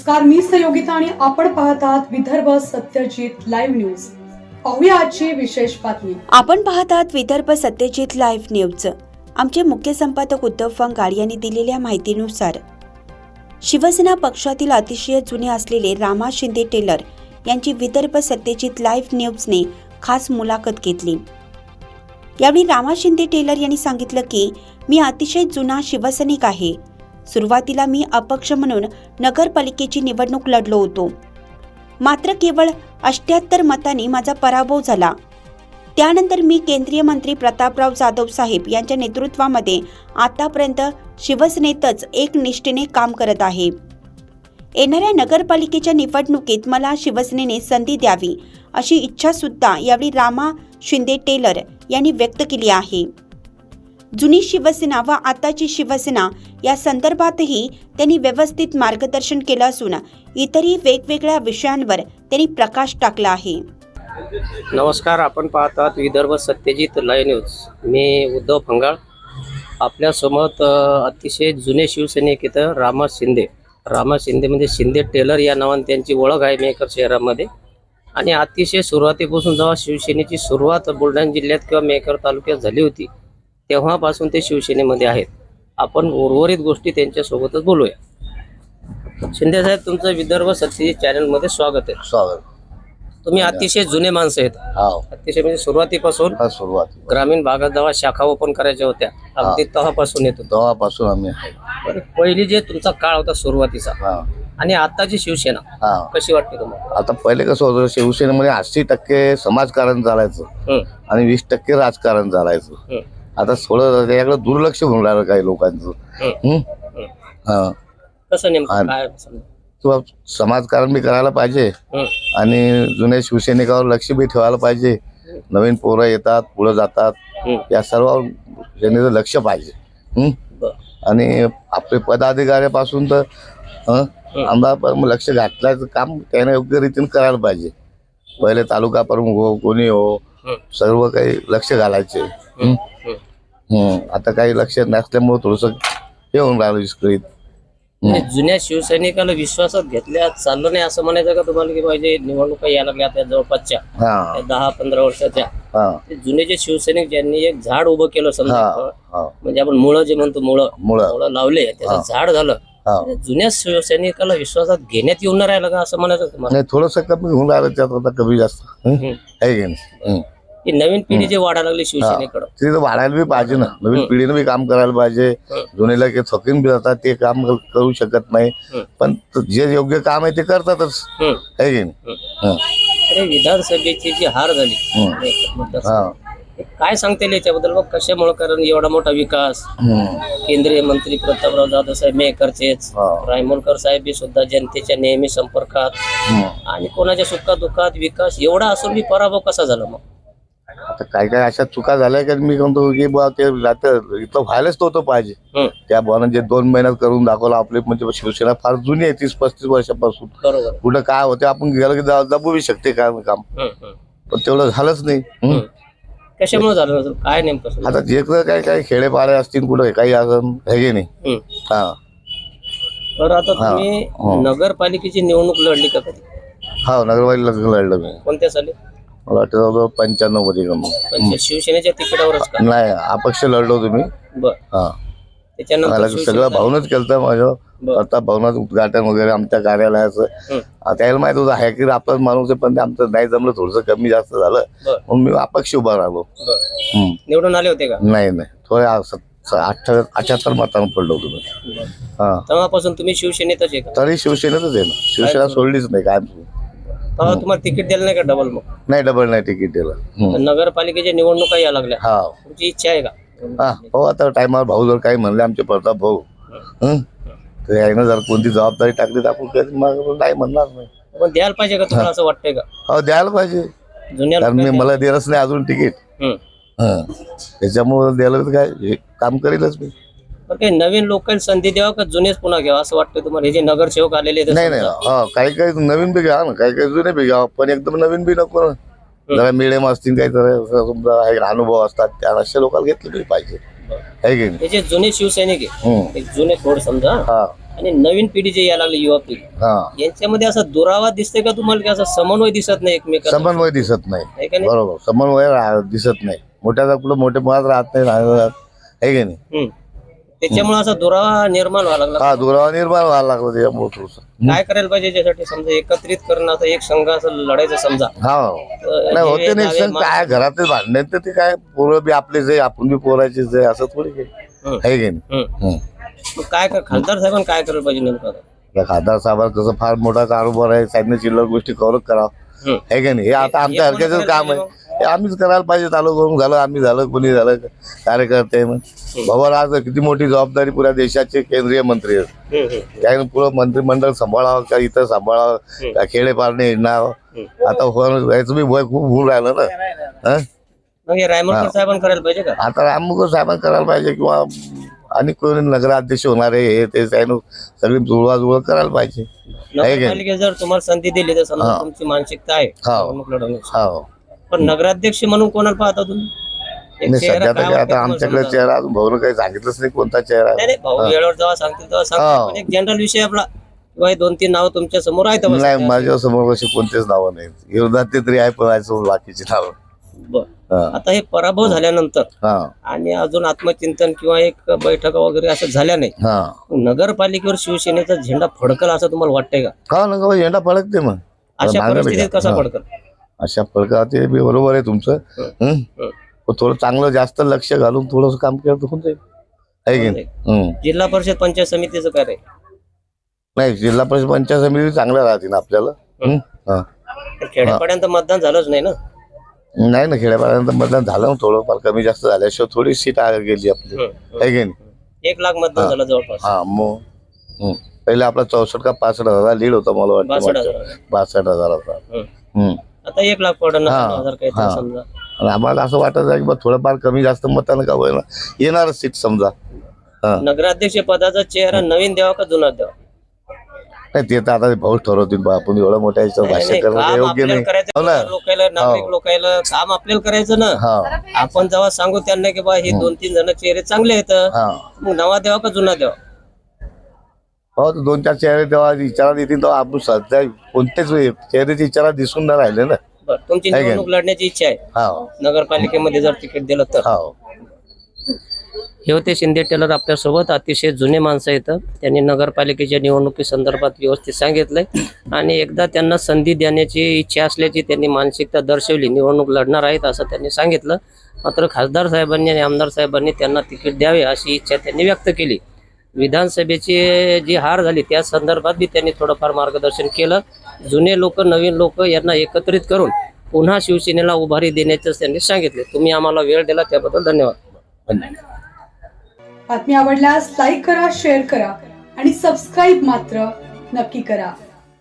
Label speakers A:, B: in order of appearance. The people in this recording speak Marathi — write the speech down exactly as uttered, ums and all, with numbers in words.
A: नमस्कार, मी सहयोगिता आणि आपण पाहत आहात विदर्भ सत्यजित लाईव्ह न्यूज। पाहूया आजची विशेष बातमी।
B: आपण पाहत आहात विदर्भ सत्यजित लाईव्ह न्यूज। आमचे मुख्य संपादक उद्धव फंगाड यांनी दिलेल्या माहितीनुसार शिवसेना पक्षातील अतिशय जुने असलेले रामा शिंदे टेलर यांची विदर्भ सत्यजित लाईव्ह न्यूजने खास मुलाखत घेतली। यावेळी रामा शिंदे टेलर यांनी सांगितलं की मी अतिशय जुना शिवसैनिक आहे। सुरुवातीला मी अपक्ष म्हणून नगरपालिकेची निवडणूक लढलो होतो, मात्र केवळ अठ्ठ्याहत्तर मतांनी माझा पराभव झाला। त्यानंतर मी केंद्रीय मंत्री प्रतापराव जाधव साहेब यांच्या नेतृत्वामध्ये आतापर्यंत शिवसेनेतच एक निष्ठेने काम करत आहे। येणाऱ्या नगरपालिकेच्या निवडणुकीत मला शिवसेनेने संधी द्यावी अशी इच्छा सुद्धा यावेळी रामा शिंदे टेलर यांनी व्यक्त केली आहे। जुनी शिवसेना व आताची शिवसेना या संदर्भातही त्यांनी व्यवस्थित मार्गदर्शन केलं असून इतरही वेगवेगळ्या विषयांवर त्यांनी प्रकाश टाकला आहे।
C: नमस्कार, आपण पाहत आहात विदर्भ सत्यजित लाईव्ह न्यूज। मी उद्धव फंगाळ। आपल्या समोर अतिशय जुने शिवसैनिक इथं रामा शिंदे रामा शिंदे म्हणजे शिंदे टेलर या नावाने त्यांची ओळख आहे मेकर शहरामध्ये। आणि अतिशय सुरुवातीपासून जेव्हा शिवसेनेची सुरुवात बुलढाणा जिल्ह्यात किंवा मेकर तालुक्यात झाली होती तेव्हापासून ते शिवसेनेमध्ये आहेत। आपण उर्वरित गोष्टी त्यांच्यासोबतच बोलूया। शिंदे साहेब, तुमचं विदर्भ सत्यजित चॅनलमध्ये स्वागत आहे।
D: स्वागत।
C: तुम्ही अतिशय जुने माणसं आहेत।
D: हो,
C: अतिशय म्हणजे सुरुवातीपासून
D: सुरुवात
C: ग्रामीण भागात जेव्हा शाखा ओपन करायच्या होत्या अगदी तेव्हापासून येतो।
D: तेव्हापासून आम्ही आहे।
C: पहिली जे तुमचा काळ होता सुरुवातीचा
D: हा
C: आणि आताची शिवसेना
D: हा
C: कशी वाटते तुम्हाला?
D: आता पहिले कसं होतं, शिवसेनेमध्ये अस्सी टक्के समाजकारण चालायचं
C: हं,
D: आणि वीस टक्के राजकारण चालायचं।
C: हं,
D: आता थोडं त्याच्याकडे दुर्लक्ष होऊन राहिलं काही लोकांचं।
C: हं,
D: हं?
C: हं.
D: हा
C: कसं नेमकं
D: आणि-
C: काय समजा?
D: किंवा समाजकारण बी करायला पाहिजे
C: हं,
D: आणि जुन्या शिवसैनिकावर लक्ष बी ठेवायला पाहिजे। नवीन पोरं येतात, पुढे जातात,
C: हं,
D: या सर्वांवर सेनेचं लक्ष पाहिजे। हं?
C: बरं.
D: आणि आपले पदाधिकाऱ्यापासून तर हं, आम्हाला लक्ष घातल्याचं काम त्याने योग्य रीतीने करायला पाहिजे। पहिले तालुका प्रमुख हो, कोणी हो,
C: हं,
D: सर्व काही लक्ष घालायचे। हं?
C: हं.
D: हं. आता काही लक्ष नसल्यामुळे थोडंसं हे होऊन राहिलं विस्कळीत।
C: म्हणजे जुन्या शिवसैनिकाला विश्वासात घेतल्या चाललं नाही असं म्हणायचं का तुम्हाला? की पाहिजे निवडणुका यायला लागल्या त्या जवळपासच्या
D: हा
C: त्या दहा पंधरा वर्षाच्या,
D: हा
C: ते जुने जे शिवसैनिक ज्यांनी एक झाड उभं केलं समजा,
D: हा हा
C: म्हणजे आपण मुळं जे म्हणतो मुळं
D: मुळं
C: मुळं लावले त्याचं
D: हा.
C: झाड झालं,
D: हा
C: म्हणजे जुन्या शिवसैनिकाला विश्वासात घेण्यात येऊन नाही राहिलं का असं म्हणायचं तुम्हाला?
D: नाही, थोडंसं कमी होऊन राहिलं त्यात, आता कमी जास्त हं?
C: हं.
D: आहे की नाही? हं.
C: ही नवीन पिढी जे वाढायला लागली शिवसेनेकडं,
D: ते तर वाढायला बी पाहिजे ना, नवीन
C: हं.
D: पिढीनं बी काम करायला पाहिजे।
C: हं.
D: जुनेला काही थकीन बी जातात, ते काम करू शकत नाही,
C: हं.
D: पण जे योग्य काम आहे ते करतातच,
C: हं,
D: आहे की नाही?
C: हं.
D: हं.
C: तर हे विधानसभेची जी हार झाली,
D: हं.
C: मतदारसंघ,
D: हा
C: हे काय सांगता येईल याच्याबद्दल? मग कशामुळे? कारण एवढा मोठा विकास,
D: हं.
C: केंद्रीय मंत्री प्रतापराव जाधव साहेब मेकरचेच,
D: हा.
C: रायमोलकर साहेब बी सुद्धा जनतेच्या नेहमी संपर्कात,
D: हं.
C: आणि कोणाच्या सुखादुखात विकास एवढा असून बी पराभव कसा झाला मग?
D: आता काय काय अशा चुका झाल्या की मी म्हणतो की बुवा ते रात्र इथं व्हायलाच नव्हतं पाहिजे।
C: हं,
D: त्या बुवानं जे दोन महिन्यात करून दाखवलं, आपली म्हणजे शिवसेना फार जुनी आहे, तीस पस्तीस वर्षापासून।
C: बरोबर.
D: कुठं काय होते आपण गेलं की दा- दाबू शकते काम काम
C: हं, हं,
D: पण तेवढं झालंच नाही। हं.
C: हं. कशामुळे झालं नसेल? काय नेमकं समजा?
D: आता जे काय काय खेडेपाडे असतील कुठे काही असं आहे की नाही?
C: हं.
D: हा
C: बरं, आता
D: हा.
C: तुम्ही
D: हो.
C: नगरपालिकेची निवडणूक लढली का कधी?
D: हा नगरपालिका लढलं मी,
C: कोणत्या साली?
D: मला वाटतं पंच्याण्णव मध्ये का मग.
C: पण ते शिवसेनेच्या तिकिटावरच का?
D: नाही, अपक्ष लढलो तुम्ही।
C: बर.
D: हा
C: त्याच्यानंतर
D: मला
C: शिवसेना
D: सगळं
C: झाली.
D: भावनच केलं माझं,
C: बरं.
D: आता भवनात उद्घाटन वगैरे आमच्या कार्यालयाचं।
C: हं.
D: आता यायला माहित होतं आहे की आपलाच माणूस आहे, पण ते आमचं नाही जमलं, थोडंसं कमी जास्त झालं
C: बरं.
D: म्हणून मी अपक्ष उभा राहिलो।
C: बर.
D: हं.
C: निवडून आले होते का?
D: नाही नाही, थोड्या अठ्ठ्याहत्तर अठ्याहत्तर मतांना पडलो तुम्ही।
C: बर.
D: हा
C: तेव्हापासून तुम्ही शिवसेनेतच आहे का?
D: तरी शिवसेनेतच आहे ना, शिवसेना सोडलीच नाही काय।
C: तेव्हा तुम्हाला तिकीट दिलं नाही का डबल मग?
D: नाही, डबल नाही तिकीट दिलं। हं.
C: तर नगरपालिकेच्या निवडणुका या लागल्या,
D: हा
C: तुमची इच्छा आहे का?
D: हा हो, आता टायमावर भाऊ जर काही म्हणले आमचे प्रताप भाऊ, हं, तर यायनं जर कोणती जबाबदारी टाकली तर आपण कधी मग नाही म्हणणार नाही।
C: पण द्यायला पाहिजे का तुम्हाला, असं वाटतंय का?
D: हो द्यायला पाहिजे,
C: जुन्या
D: कारण मी
C: लोकांनी-
D: मला दिलंच नाही अजून तिकीट।
C: हं.
D: हं. त्याच्यामुळे द्यायला तर काय हे काम करीलच मी।
C: पण काही नवीन लोकांना संधी द्यावा का जुनेच पुन्हा घ्यावा असं वाटतं तुम्हाला? हे जे नगरसेवक आलेले आहेत
D: नाही नाही,
C: समजा.
D: हा काही काही नवीन बी घ्या ना, काही काही जुने बी घ्या, पण एकदम नवीन बी नको ना। जरा मिडियम असतील काही तर समजा हे अनुभव असतात, त्या अशा लोकांना घेतले तरी पाहिजे, आहे की नाही?
C: हे जे जुने शिवसैनिक आहे,
D: हं.
C: ते जुने थोडं समजा,
D: हा
C: आणि नवीन पिढी जे यायला लागली युवा पिढी
D: हा
C: यांच्यामध्ये असा दुरावा दिसतोय का तुम्हाला की असा समन्वय दिसत नाही एकमेकांना
D: समन्वय दिसत नाही
C: आहे का नाही?
D: बरोबर समन्वय रा- दिसत नाही मोठ्या कुठं मोठे मुळात राहत नाही राहत आहे की नाही
C: हम्म. त्याच्यामुळे असा दुरावा निर्माण व्हायला लागला
D: हा दुरावा निर्माण व्हायला लागला त्याच्यामुळे थोडंसं.
C: काय करायला पाहिजे याच्यासाठी समजा एकत्रित करणं आता एक संघ असं लढायचं समजा
D: हा
C: तर
D: नाही
C: हे
D: होते नाही
C: दावे
D: सण
C: मा-
D: काय घरातले भांडणे तर ते काय पोरं बी आपलेच आहे आपण बी पोराचेच आहे असं थोडी काही
C: हम्म.
D: आहे की नाही
C: हम्म.
D: हम्म.
C: मग काय कर खासदार साहेबांनी काय करायला पाहिजे नेमकं आता?
D: त्या खासदार साहेबांचा कसं फार मोठा कारोबार आहे त्यांनी चिल्लर गोष्टी कव्हर करावं
C: हम्म.
D: आहे का नाही हे आता आमच्या
C: हे कोणी
D: हरक्याच
C: करायला
D: काम आहे
C: पाहिजे
D: हे आम्हीच करायला पाहिजे तालुका झालं आम्ही झालं कोणी झालं कार्यकर्ते मग बाबा आज किती मोठी जबाबदारी पुऱ्या देशाचे केंद्रीय मंत्री आहेत
C: हम्म, हम्म.
D: काय पुरं मंत्रिमंडळ सांभाळावं का इथं सांभाळावं का खेडेपारणे हिंडावं आता हो- याचं बी भय खूप होऊन राहिलं ना हं?
C: मग हे रायमलकर साहेबांनी करायला पाहिजे का
D: आता राममुख साहेबांनी करायला पाहिजे किंवा आणि कोणी नगराध्यक्ष होणार आहे हे ते त्यानं सगळी जुळवाजुळव करायला पाहिजे आहे की नाही?
C: नगरपालिकेत जर तुम्हाला संधी दिली तर समजा
D: हा.
C: तुमची मानसिकता आहे
D: हा.
C: निवडणूक लढवण्याची.
D: हो
C: पण नगराध्यक्ष म्हणून कोणाला पाहता तुम्ही एक
D: नाही
C: चेहरा
D: सध्या
C: काय
D: तर काय
C: वाटतं
D: आता
C: तुम्हाला
D: आमच्याकडे
C: समजा?
D: चेहरा अजून भाऊनं काही सांगितलंच नाही कोणता चेहरा
C: नाही
D: आहे
C: नाही भाऊ वेळेवर जेव्हा सांगतील तेव्हा
D: हा.
C: सांगतील पण एक जनरल विषय आपला किंवा हे दोन तीन नाव तुमच्या समोर आहेत बस.
D: नाही माझ्या समोर अशी कोणतेच नावं नाहीत विरोधात ते तरी आहे पण माझ्यासमोर बाकीची नावं
C: बरं.
D: हा
C: आता हे पराभव झाल्यानंतर
D: हा
C: आणि अजून आत्मचिंतन किंवा एक बैठक वगैरे असं झाल्या नाही
D: हा
C: नगरपालिकेवर शिवसेनेचा झेंडा फडकल असं तुम्हाला वाटतंय का
D: का ना का झेंडा फडकते मग
C: अशा
D: मागं
C: परिस्थितीत
D: नाही
C: कसा
D: का?
C: फडकल
D: अशा फडका ते बी बरोबर आहे तुमचं हं?
C: हं.
D: पण थोडं चांगलं जास्त लक्ष घालून थोडस काम केलं तर होऊन जाईल आहे की नाही हं.
C: जिल्हा परिषद पंचायत समितीचं काय रे
D: नाही जिल्हा परिषद पंचायत समिती चांगल्या राहतील आपल्याला हं? हा.
C: खेड्यापाड्यांत मतदान झालंच नाही ना
D: नाही ना खेड्यापाड्यानंतर मतदान झालं ना थोडंफार कमी जास्त झाल्याशिवाय थोडी सीट आग गेली आपली
C: हं.
D: आहे की नाही
C: एक लाख मतदान झालं जवळपास
D: हा मग हं. पहिले आपला चौसष्ट का पासष्ट हजार लीड होता मला
C: बासष्ट
D: वाटतं
C: हजार.
D: बासष्ट हजाराचा
C: हं.
D: हं.
C: आता एक लाख पडणार
D: हा.
C: हजार काही
D: हा.
C: समजा
D: आणि आम्हाला असं वाटत आहे की बा थोडंफार कमी जास्त मतानं का होईना येणारच सीट समजा हा
C: नगराध्यक्ष पदाचा चेहरा नवीन द्यावा का जुना द्यावा
D: नाही ते तर आता भाऊ ठरवतील बा आपण एवढं मोठ्या याच्यावर
C: नाही,
D: भाष्य
C: नाही,
D: करणं काही
C: काम
D: योग्य
C: आपल्याला
D: नाही
C: करायचं
D: हो ना
C: लोकायला नागरिक
D: हो.
C: लोकायला काम आपल्याला करायचं ना
D: हा
C: आपण जेव्हा सांगू त्यांना की बा हे दोन तीन जण चेहरे चांगले आहेत
D: हा
C: मग नवा द्यावा का जुना द्यावा
D: हो तर दोन चार चेहरे तेव्हा विचारात येतील तेव्हा आपण सध्या कोणतेच चेहऱ्याचे विचारात दिसून नाही राहिले ना
C: बरं तुमची
D: आहे का?
C: निवडणूक लढण्याची इच्छा आहे
D: हा
C: नगरपालिकेमध्ये जर तिकीट दिलं तर
D: हा
C: हे होते शिंदे टेलर आपल्यासोबत अतिशय जुने माणसं येतं त्यांनी नगरपालिकेच्या निवडणुकी संदर्भात व्यवस्थित सांगितलंय आणि एकदा त्यांना संधी देण्याची इच्छा असल्याची त्यांनी मानसिकता दर्शवली निवडणूक लढणार आहेत असं त्यांनी सांगितलं मात्र खासदार साहेबांनी आणि आमदार साहेबांनी त्यांना तिकीट द्यावे अशी इच्छा त्यांनी व्यक्त केली विधानसभेची जी हार झाली त्या संदर्भात बी त्यांनी थोडंफार मार्गदर्शन केलं जुने लोक नवीन लोक यांना एकत्रित करून पुन्हा शिवसेनेला उभारी देण्याचं त्यांनी सांगितले तुम्ही आम्हाला वेळ दिला त्याबद्दल धन्यवाद
A: बातमी आवडल्यास लाईक करा शेअर करा आणि सबस्क्राईब मात्र नक्की करा.